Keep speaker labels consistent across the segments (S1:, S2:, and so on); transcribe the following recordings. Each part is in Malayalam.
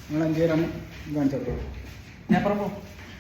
S1: നിങ്ങൾ 5 പേരാണ് കാണിച്ചത്.
S2: ഞാൻ പറഞ്ഞു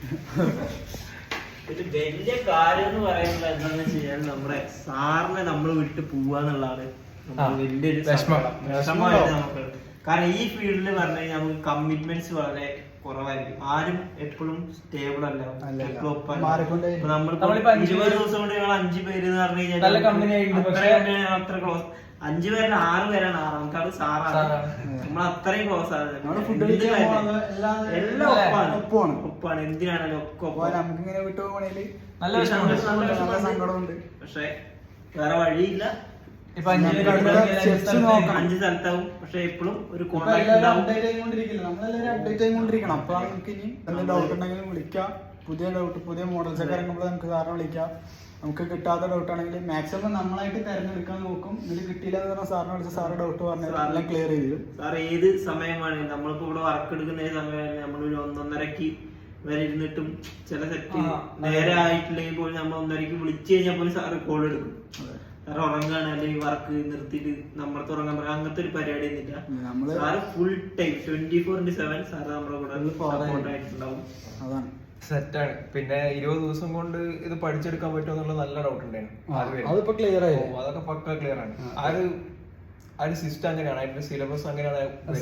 S3: ഇത് വലിയ കാര്യം എന്ന് പറയുന്നത് എന്താണെന്ന് വെച്ച് കഴിഞ്ഞാൽ നമ്മുടെ സാറിനെ നമ്മൾ വിട്ട് പോവാന്നുള്ളതാണ് വലിയൊരു വിഷമമായിട്ട് നമുക്ക്. കാരണം ഈ ഫീൽഡിൽ പറഞ്ഞു കഴിഞ്ഞാൽ നമുക്ക് കമ്മിറ്റ്മെന്റ്സ് വളരെ കുറവായിരിക്കും. ആരും എപ്പോഴും സ്റ്റേബിൾ അല്ല. നമ്മൾ 20 ദിവസം കൊണ്ട് ഞങ്ങൾ 5 പേര് എന്ന് പറഞ്ഞു കഴിഞ്ഞാൽ അത്ര ക്ലോസ്. 5 പേരിൽ 6 പേരാണ് ആറാമത്തെ സാറാണ്. നമ്മൾ അത്രയും ക്ലോസ് ആണ്. എല്ലാം ഒപ്പാണ്. എന്തിനാണെങ്കിലും ഒക്കെ
S1: നമുക്കിങ്ങനെ വിട്ടു പോകണേല്
S2: നല്ല
S1: സങ്കടമുണ്ട്.
S3: പക്ഷെ വേറെ വഴിയില്ല.
S2: ഇപ്പൊ
S3: 5 സ്ഥലത്താവും. പക്ഷെ എപ്പോഴും ഒരു കോൺടാക്ട് ഉണ്ടാവും.
S1: നമ്മളെല്ലാവരും അപ്ഡേറ്റ് ആയിക്കൊണ്ടിരിക്കണം. അപ്പോഴാണ് നമുക്ക് ഇനി എന്തെങ്കിലും ഡൗട്ട് ഉണ്ടെങ്കിലും വിളിക്കാം. പുതിയ മോഡൽസ് ഒക്കെ ഇറങ്ങുമ്പോൾ നമുക്ക് സാറിനെ വിളിക്കാം. നമുക്ക് കിട്ടാത്ത ഡൗട്ട് ആണെങ്കിൽ മാക്സിമം നമ്മളായിട്ട് തിരഞ്ഞെടുക്കാൻ നോക്കും. ഇതിൽ കിട്ടിയില്ല എന്ന് പറഞ്ഞാൽ സാറിനെ വിളിച്ച് സാറ് ഡൗട്ട് പറഞ്ഞാൽ എല്ലാം ക്ലിയർ ചെയ്ത് തരും.
S3: സാർ ഏത് സമയമാണ് നമ്മളിപ്പോ ഇവിടെ വർക്ക് എടുക്കുന്ന സമയമാണ് നമ്മളൊരു 1:30 വരെ ഇരുന്നിട്ടും ചില സെറ്റ് നേരെ ആയിട്ടില്ലെങ്കിൽ പോലും നമ്മൾ 1:30 വിളിച്ചു കഴിഞ്ഞാൽ പോലും സാറ് കോൾ എടുക്കും. സാറ് ഉറങ്ങാണ് അല്ലെങ്കിൽ വർക്ക് നിർത്തിയിട്ട് നമ്മളെ ഉറങ്ങാൻ പറയാം. അങ്ങനത്തെ ഒരു പരിപാടി ഒന്നുമില്ല. സാറ് ഫുൾ ടൈം 24/7 സാറ് നമ്മുടെ കൂടെ സപ്പോർട്ട് ആയിട്ടുണ്ടാവും.
S1: അതാണ്
S4: സെറ്റാണ്. പിന്നെ 20 ദിവസം കൊണ്ട് ഇത് പഠിച്ചെടുക്കാൻ പറ്റുമോ എന്നുള്ള നല്ല ഡൗട്ട് ഉണ്ടായിരുന്നു.
S1: അതിപ്പോ ക്ലിയർ ആയി.
S4: അതൊക്കെ പക്ക ക്ലിയർ ആണ്. ആ ഒരു സിസ്റ്റം അങ്ങനെയാണ്, അതിന്റെ സിലബസ് അങ്ങനെയാണ്.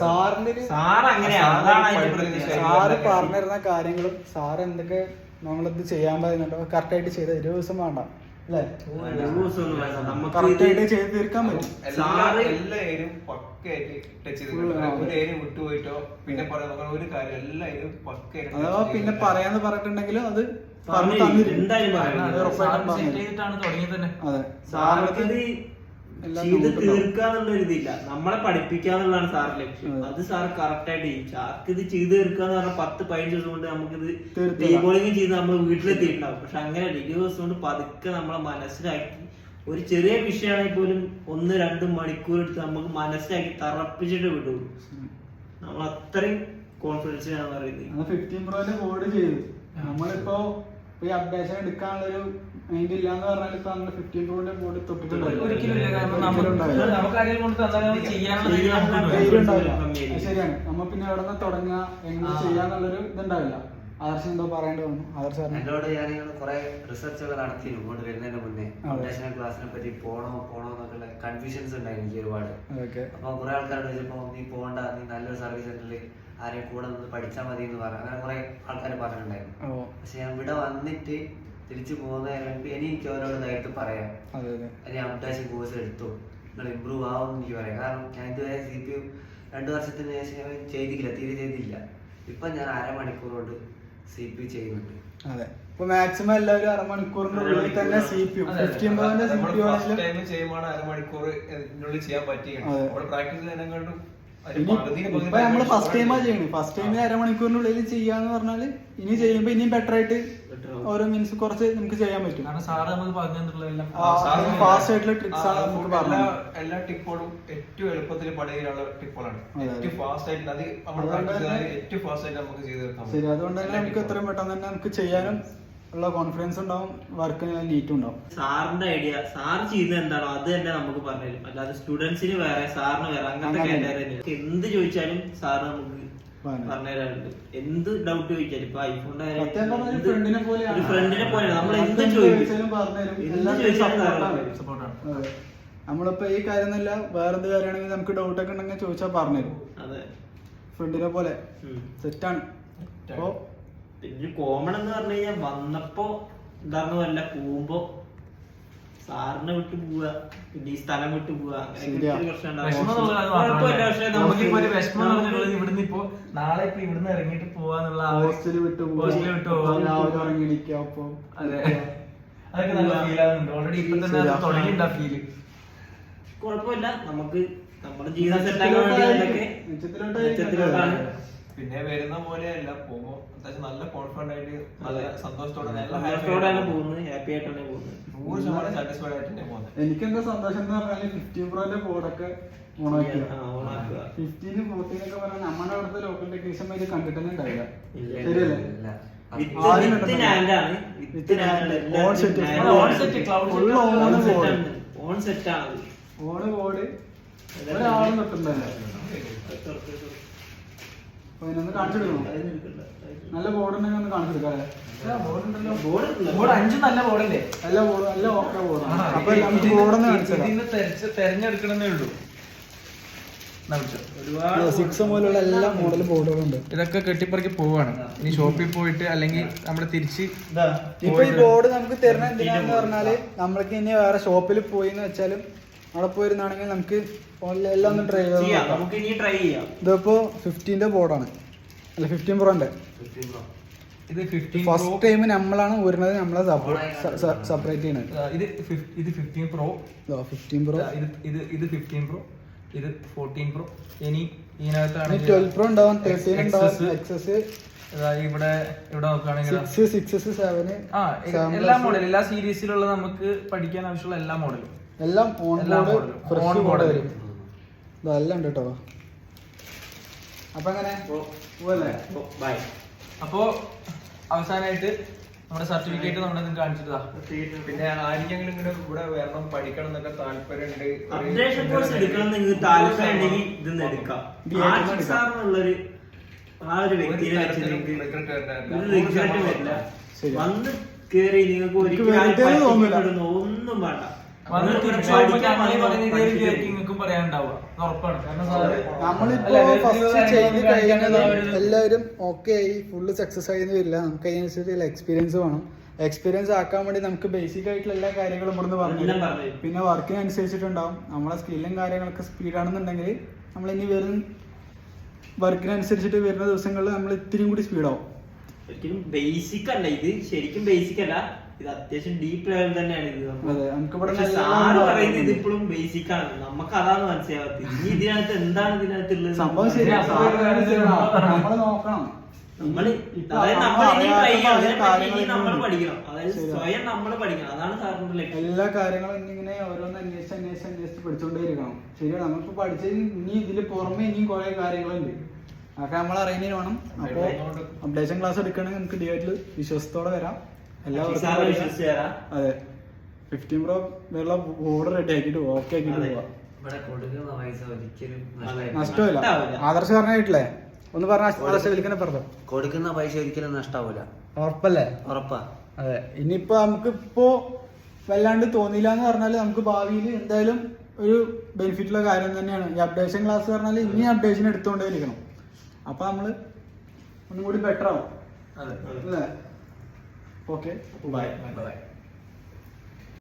S1: സാറ് പറഞ്ഞിരുന്ന കാര്യങ്ങളും സാറ് എന്തൊക്കെ നമ്മളിത് ചെയ്യാൻ പറയുന്നുണ്ടോ കറക്റ്റ് ആയിട്ട് ചെയ്ത് 20 ദിവസം വേണ്ട അല്ലേ? കറക്റ്റ് ആയിട്ട് ചെയ്ത് തീർക്കാൻ പറ്റും.
S4: എല്ലാ ഏരിയയും പക്കയായിട്ട് ടച്ച് ചെയ്തിട്ടുണ്ട്. ഒരു ഏരിയ വിട്ടുപോയിട്ടോ പിന്നെ പറയാൻ ഒരു കാര്യം എല്ലാ ഏരിയയും പക്കയായിട്ട്.
S1: അഥവാ പിന്നെ പറയാന്ന് പറഞ്ഞിട്ടുണ്ടെങ്കിലും അത്
S3: ചെയ്ത് തീർക്കാന്നുള്ള ഇതില്ല. നമ്മളെ പഠിപ്പിക്കാന്നുള്ളതാണ് സാറിന്റെ ലക്ഷ്യം. അത് സാർ കറക്റ്റ് ആയിട്ട് ചെയ്യും. സാർക്ക് ഇത് ചെയ്ത് തീർക്കാന്ന് പറഞ്ഞാൽ 10-15 ദിവസം കൊണ്ട് നമുക്കിത് ഡീബോളിംഗ് ചെയ്ത് നമ്മൾ വീട്ടിലെത്തിയിട്ടുണ്ടാവും. പക്ഷെ അങ്ങനെ 20 ദിവസം കൊണ്ട് പതുക്കെ നമ്മളെ മനസ്സിലാക്കി ഒരു ചെറിയ വിഷയമാണെങ്കിൽ പോലും 1-2 മണിക്കൂർ എടുത്ത് നമുക്ക് മനസ്സിലാക്കി തറപ്പിച്ചിട്ട് വിടുള്ളൂ. നമ്മൾ അത്രയും കോൺഫിഡൻസിലാണ് പറയുന്നത്.
S1: 15 Proന്റെ ബോർഡ് ചെയ്തു. നമ്മളിപ്പോ ഈ അപ്ഡേഷൻ എടുക്കാനുള്ളൊരു മൈൻഡ് ഇല്ലാന്ന് പറഞ്ഞാൽ ഇപ്പൊ നമ്മള് 15 Proന്റെ ബോർഡ് ശരിയാണ്. നമ്മ പിന്നെ എവിടെ നിന്ന് തുടങ്ങുക എങ്ങനെ ചെയ്യാന്നുള്ളൊരു ഇതുണ്ടാവില്ല. ആദർശം എന്തോ പറയേണ്ടി വന്നു.
S5: എന്നോട് ഞാൻ കുറെ റിസർച്ചുകൾ നടത്തിയിരുന്നു ഇങ്ങോട്ട് വരുന്നതിന് മുന്നേ. അപ്ഡേഷൻ ക്ലാസ്സിനെ പറ്റി പോണോ എന്നൊക്കെയുള്ള കൺഫ്യൂഷൻസ് ഉണ്ടായി എനിക്ക് ഒരുപാട്. അപ്പൊ കുറെ ആൾക്കാരോട് ചോദിച്ചപ്പോ നീ പോകണ്ട, നീ നല്ലൊരു സർവീസ് സെന്ററിൽ ആരെയും കൂടെ നിന്ന് പഠിച്ചാൽ മതി എന്ന് പറഞ്ഞു. അങ്ങനെ കുറെ ആൾക്കാർ പറഞ്ഞിട്ടുണ്ടായിരുന്നു. പക്ഷെ ഞാൻ ഇവിടെ വന്നിട്ട് തിരിച്ചു പോകുന്നതിന് മുൻപ് എനിക്ക് ഓരോട് നേരത്തെ പറയാം, ഞാൻ അപ്ഡേഷൻ കോഴ്സ് എടുത്തു, നിങ്ങൾ ഇമ്പ്രൂവ് ആവും എന്ന് എനിക്ക് പറയാം. കാരണം ഞാൻ ഇതുവരെ CPU 2 വർഷത്തിന് ശേഷം തീരെ ചെയ്തില്ല. ഇപ്പൊ ഞാൻ 1/2 മണിക്കൂർ കൊണ്ട് CPU ചെയ്യുന്നുണ്ട്.
S1: അതെ, ഇപ്പൊ മാക്സിമം എല്ലാവരും 1/2 മണിക്കൂറിനുള്ളിൽ തന്നെ CPU 15 Proന്റെ
S4: CPU ചെയ്യുമ്പോൾ 1/2 മണിക്കൂറിനുള്ളിൽ ചെയ്യാൻ പറ്റിയാണ്. പ്രാക്ടീസ് ചെയ്യുന്നതിനെക്കാട്ടും
S1: ഇപ്പൊ നമ്മള് ഫസ്റ്റ് ടൈമാ ചെയ്യണേ. ഫസ്റ്റ് ടൈമിൽ 1/2 മണിക്കൂറിനുള്ളിൽ ചെയ്യാന്ന് പറഞ്ഞാല് ഇനി ചെയ്യുമ്പോ ഇനിയും ബെറ്റർ ആയിട്ട് ഓരോ മിനിറ്റ്സ് കുറച്ച് നമുക്ക് ചെയ്യാൻ പറ്റും. ഫാസ്റ്റ് ആയിട്ടുള്ള ട്രിക്സ് ആണ് നമുക്ക് പറഞ്ഞത്.
S4: എല്ലാ ടിപ്പുകളും ഏറ്റവും എളുപ്പത്തിൽ പഠിക്കാനുള്ള ടിപ്പുകളാണ്. ഏറ്റവും ഫാസ്റ്റ് ആയിട്ട് ഏറ്റവും ഫാസ്റ്റ് ആയിട്ട് നമുക്ക് ചെയ്ത് തീർക്കാം.
S1: ശരി, അതുകൊണ്ട് തന്നെ നമുക്ക് എത്രയും പെട്ടെന്ന് തന്നെ നമുക്ക് ചെയ്യാനും ഉള്ള കോൺഫിഡൻസ് ഉണ്ടാവും, വർക്കിന് നീറ്റും ഉണ്ടാവും.
S3: സാറിന്റെ ഐഡിയ സാർ ചെയ്യുന്നത് എന്താണോ അത് തന്നെ നമുക്ക് പറഞ്ഞുതരും. അല്ലാതെ സ്റ്റുഡൻസിന് വേറെ സാറിന് വേറെ അങ്ങനത്തെ കാറ്റഗറി എന്ത് ചോദിച്ചാലും സാറ് നമുക്ക് പറഞ്ഞുതരാറുണ്ട്. എന്ത് ഡൗട്ട് ചോദിച്ചാലും ഇപ്പൊ ഐഫോണിന്റെ
S1: ഫ്രണ്ടിനെ
S3: പോലെ നമ്മൾ എന്ത് ചോദിച്ചാലും
S1: നമ്മളിപ്പോ ഈ കാര്യം എന്നല്ല വേറെന്ത് കാര്യമാണെങ്കിൽ നമുക്ക് ഡൗട്ട് ഒക്കെ ഉണ്ടെങ്കിൽ ചോദിച്ചാൽ പറഞ്ഞുതരും.
S3: അതെ,
S1: ഫ്രണ്ടിനെ പോലെ സെറ്റാണ്. അപ്പോ
S3: പിന്നെ കോമൺ എന്ന് പറഞ്ഞു കഴിഞ്ഞാൽ വന്നപ്പോ എന്താണെന്ന് വല്ല പോകുമ്പോ സാറിനെ വിട്ടു പോവുക, പിന്നെ ഈ സ്ഥലം വിട്ടു പോവുക,
S2: ഇവിടുന്ന് ഇപ്പൊ നാളെ ഇപ്പൊ ഇവിടുന്ന് ഇറങ്ങിട്ട് പോവാന്നുള്ള
S1: ഹോസ്റ്റല് വിട്ടു ഇറങ്ങിയിരിക്കും.
S2: അതെ, അതൊക്കെ നല്ല ഫീൽ ആകുന്നുണ്ട്. ഓൾറെഡി ഇപ്പൊ തന്നെ തുടങ്ങിയിട്ടുണ്ട് ആ ഫീല്.
S3: കുഴപ്പമില്ല, നമുക്ക് നമ്മുടെ ജീവിതം സെറ്റാക്കാൻ വേണ്ടി
S4: പിന്നെ വരുന്ന പോലെയല്ല പോകുമ്പോ അത്യാവശ്യം നല്ല കോൺഫിഡന്റ് ആയിട്ട് നല്ല സന്തോഷത്തോടെ
S3: പോകുന്നത്, ഹാപ്പി ആയിട്ടാണ് പോകുന്നത്.
S4: 100% സാറ്റിസ്ഫൈഡ് ആയിട്ട് തന്നെ പോകുന്നത്.
S1: എനിക്കെന്താ സന്തോഷം എന്ന് പറഞ്ഞാല് 15 Proന്റെ ബോർഡൊക്കെ ഓണാക്കുക. 15, 14 ഒക്കെ പറഞ്ഞാൽ നമ്മുടെ അവിടുത്തെ ലോക്കൽ ടെക്നീഷ്യൻ ഇത് കണ്ടിട്ടന്നെ ഉണ്ടാവില്ല. ശരിയല്ലേ? ഓണ് ബോർഡ് ഒരാളും തൊട്ടുണ്ടല്ലോ. അപ്പൊ ഇതിനൊന്ന് കാണിച്ചെടുക്കണോ? നല്ല ബോർഡ് ഉണ്ടെങ്കിൽ ഒന്ന് കാണിച്ചെടുക്കാം അല്ലേ?
S2: ബോർഡ് 5 നല്ല ബോർഡല്ലേ?
S1: നല്ല ബോർഡ്, നല്ല ഓക്കെ ബോർഡാണ്. അപ്പൊ നമുക്ക് ബോർഡൊന്ന് കാണിച്ചെടുക്കാം.
S2: ഇതിന്ന് തെരഞ്ഞെടുക്കണമെന്നേ ഉള്ളൂ.
S1: ഒരുപാട് 6 മുതലുള്ള എല്ലാ മോഡൽ ബോർഡുകളുണ്ട്.
S2: ഇതൊക്കെ കെട്ടിപ്പറക്കി പോവാണ്. ഇനി ഷോപ്പിൽ പോയിട്ട് അല്ലെങ്കിൽ നമ്മള് തിരിച്ച്
S1: ഇപ്പൊ ഈ ബോർഡ് നമുക്ക് തരുന്ന എന്തിനാന്ന് പറഞ്ഞാല് നമ്മൾക്ക് ഇനി വേറെ ഷോപ്പിൽ പോയി എന്ന് വെച്ചാലും അവിടെ പോയിരുന്നാണെങ്കിൽ നമുക്ക് ഫോണിൽ എല്ലാം ഒന്ന് ട്രൈ ചെയ്യാം.
S3: നമുക്ക് ഇനി ട്രൈ ചെയ്യാം.
S1: ഇതിപ്പോ 15ന്റെ ബോർഡാണ്, അല്ല 15 പ്രോന്റെ.
S2: ഇത് 15
S1: ഫസ്റ്റ് ടൈം നമ്മളാണ് വരുന്നത്, നമ്മളെ സെപ്പറേറ്റ് ചെയ്യണത്.
S2: ഇത് 15 പ്രോ,
S1: 15 പ്രോ,
S2: ഇത് 15 പ്രോ, ഇത് 14 പ്രോ. ഇനി ഇതിനകത്താണ്
S1: 12 പ്രോ ഉണ്ടാവും, 13 ഉണ്ടാവും, എക്സസ്
S2: ഇവിടെ നോക്കുകയാണെങ്കിൽ
S1: 6, 6S, 7
S2: എല്ലാ മോഡലും എല്ലാ സീരീസിലുള്ള നമുക്ക് പഠിക്കാൻ ആവശ്യമുള്ള എല്ലാ മോഡലും
S1: എല്ലാം ഓൺ ബോർഡ് വരും. ഇതെല്ലാം ഉണ്ട് കേട്ടോ. അപ്പൊ അങ്ങനെ പോവല്ലേ?
S3: ബൈ.
S2: അപ്പോ അവസാനമായിട്ട് നമ്മുടെ സർട്ടിഫിക്കറ്റ് നമ്മുടെ കാണിച്ചിട്ടാ.
S4: പിന്നെ ആർക്കെങ്കിലും ഇങ്ങനെ ഇവിടെ വരണം പഠിക്കണം എന്നൊക്കെ താല്പര്യമുണ്ട്,
S3: അപ്ഡേഷൻ കോഴ്സ് എടുക്കണം എന്ന് നിങ്ങൾക്ക് താല്പര്യം ഉണ്ടെങ്കിൽ ഇതൊന്ന് എടുക്കാം. ആഷിഖ് സാറിനുള്ളൊരു ആ ഒരു വ്യക്തിയെ വെച്ച് നിങ്ങൾക്ക് ഒരു റിഗ്രറ്റ് വരില്ല. വന്ന് കേറി നിങ്ങൾക്ക് ഒരിക്കലും ഒന്നും വേണ്ട.
S2: നിങ്ങൾക്കും പറയാനുണ്ടാവുക ഉറപ്പാണ്. കാരണം
S1: നമ്മളിപ്പോ ഫസ്റ്റ് ചെയ്ത് കഴിയുന്നത് എല്ലാവരും ഓക്കെ ആയി ഫുള്ള് സക്സസ് ആയി വരില്ല. നമുക്ക് അതിനനുസരിച്ചുള്ള എക്സ്പീരിയൻസ് വേണം. എക്സ്പീരിയൻസ് ആക്കാൻ വേണ്ടി നമുക്ക് ബേസിക് ആയിട്ടുള്ള എല്ലാ കാര്യങ്ങളും ഇവിടുന്ന് പറഞ്ഞു. പിന്നെ വർക്കിനനുസരിച്ചിട്ടുണ്ടാവും. നമ്മളെ സ്കില്ലും കാര്യങ്ങളൊക്കെ സ്പീഡാണെന്നുണ്ടെങ്കിൽ നമ്മൾ ഇനി വരും വർക്കിനനുസരിച്ചിട്ട് വരുന്ന ദിവസങ്ങളിൽ നമ്മൾ ഇത്തിരി കൂടി സ്പീഡാവും.
S3: ഒരിക്കലും ബേസിക് അല്ല ഇത്, ശരിക്കും ബേസിക് അല്ല, ഇത് അത്യാവശ്യം ഡീപ്പ് ലെവൽ തന്നെയാണ് ഇത്. സാറ് പറയുന്നത് ഇത് ഇപ്പോഴും ബേസിക് ആണ്, നമുക്ക് അതാണ് മനസ്സിലാവാത്തത്. ഇനി ഇതിനകത്ത് എന്താണ് ഇതിനകത്തുള്ളത്
S1: സംഭവം ശരിയാ. നമ്മള് നോക്കണം.
S3: നമ്മൾ പഠിക്കണം, അതായത് സ്വയം നമ്മൾ പഠിക്കണം. അതാണ് സാറിന്റെ ലക്ഷ്യം.
S1: എല്ലാ കാര്യങ്ങളും ഇന്നിങ്ങനെ ഓരോന്ന് അന്വേഷിച്ച് പഠിച്ചുകൊണ്ടേയിരിക്കണം. ശരിയാണ്. നമ്മളിപ്പോ പഠിച്ചത് ഇനി ഇതില് പുറമെ ഇനിയും കുറെ കാര്യങ്ങളുണ്ട്, അതൊക്കെ നമ്മൾ അറിയുന്നതിന് വേണം. അപ്പൊ അപ്ഡേഷൻ ക്ലാസ് എടുക്കണമെങ്കിൽ നമുക്ക് ഡിവൈറ്റിൽ വിശ്വാസത്തോടെ വരാം. എല്ലാവർക്കും അതെ 15 പ്രോ വേറെ ബോർഡ് റെഡി ആക്കിട്ട് ഓക്കെ ആക്കിട്ട് പോവാം.
S5: ഇവിടെ കൊടുക്കുന്ന പൈസ ഒരിക്കലും
S1: നഷ്ടമില്ല. ആദർശ് പറഞ്ഞിട്ടില്ലേ? ഒന്ന് പറഞ്ഞ ആദർശ വിളിക്കണേ പറഞ്ഞു.
S5: കൊടുക്കുന്ന പൈസ ഒരിക്കലും നഷ്ടാവൂല.
S1: ഉറപ്പല്ലേ?
S5: ഉറപ്പാ.
S1: അതെ. ഇനിയിപ്പോ നമുക്ക് ഇപ്പോ വല്ലാണ്ട് തോന്നിയില്ല എന്ന് പറഞ്ഞാല് നമുക്ക് ഭാവിയിൽ എന്തായാലും ഒരു ബെനിഫിറ്റ് ഉള്ള കാര്യം തന്നെയാണ് ഈ അപ്ഡേഷൻ ക്ലാസ് പറഞ്ഞാൽ. ഇനി അപ്ഡേഷൻ എടുത്തുകൊണ്ടേ ഇരിക്കണം. അപ്പൊ നമ്മള് ഒന്നും കൂടി ബെറ്റർ ആവും അല്ലേ? Okay, by.